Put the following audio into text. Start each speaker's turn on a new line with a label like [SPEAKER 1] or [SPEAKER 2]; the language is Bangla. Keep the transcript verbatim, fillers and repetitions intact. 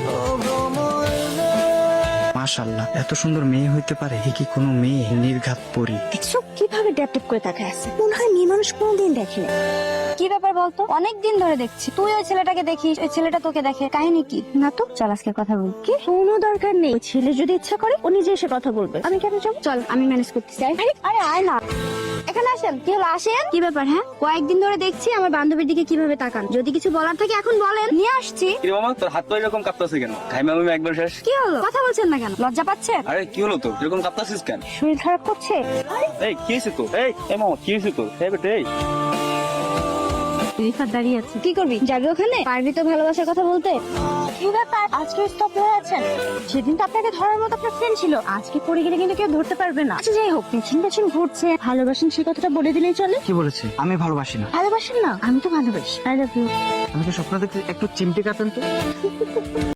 [SPEAKER 1] মাশাআল্লাহ, এত সুন্দর মেয়ে হইতে পারে? এ কি কোনো মেয়ে? নির্ঘাত পরী।
[SPEAKER 2] দেখছো কিভাবে ড্যাপ ড্যাপ করে তাকায় আছে, মনে হয় মেয়ে মানুষ কোনোদিন দেখে না।
[SPEAKER 3] কি ব্যাপার বলতো? অনেক দিন ধরে দেখছি তুই ওই ছেলেটাকে দেখিস, ওই ছেলেটা তোকে দেখে, কাহিনী কি? না তো, চল আজকে কথা বল।
[SPEAKER 2] কি কোনো দরকার নেই, ওই ছেলে যদি ইচ্ছা করে ও নিজে এসে কথা বলবে, আমি কেন যাবো?
[SPEAKER 3] চল, আমি ম্যানেজ করতে চাই। আরে আরে আয় না, এখানে আসেন। কি হলো, আসেন। কি ব্যাপার? হ্যাঁ, কয়েকদিন ধরে দেখছি আমার বান্ধবীর দিকে কিভাবে তাকান। যদি কিছু বলার থাকে এখন বলেন, নিয়ে আসছি।
[SPEAKER 4] কি রে মামা, তোর হাত পা এরকম কাঁপতাছে কেন? ঘাইমা আমি একবার শেষ।
[SPEAKER 3] কি হলো, কথা বলছেন না কেন? লজ্জা পাচ্ছেন?
[SPEAKER 4] আরে কি হলো তোর, এরকম কাঁপতাছিস কেন?
[SPEAKER 2] শরীর খারাপ করছে।
[SPEAKER 4] এই কি হয়েছে তোর? এই এই মামা কি হয়েছে তোর? এই বেটা, এই
[SPEAKER 3] রিফাত দাঁড়িয়ে আছে, কি করবি? যাবি ওখানে? পারবি তো ভালোবাসার কথা বলতে?
[SPEAKER 2] কি ব্যাপার আজকে স্টপ হয়ে আছেন? সেদিন তো আপনাকে ধরার মতো আপনার ফ্রেন্ড ছিল, আজকে পড়ে গেলে কিন্তু কেউ ধরতে পারবে না। আচ্ছা যাই হোক, পেছন পেছন ঘুরছে, ভালোবাসেন সে কথাটা বলে দিলেই চলে।
[SPEAKER 1] কি বলেছে? আমি ভালোবাসি না।
[SPEAKER 2] ভালোবাসেন না? আমি তো ভালোবাসি। I love you.
[SPEAKER 1] আমি তো স্বপ্ন দেখতে একটু চিমটি কাটেন তো।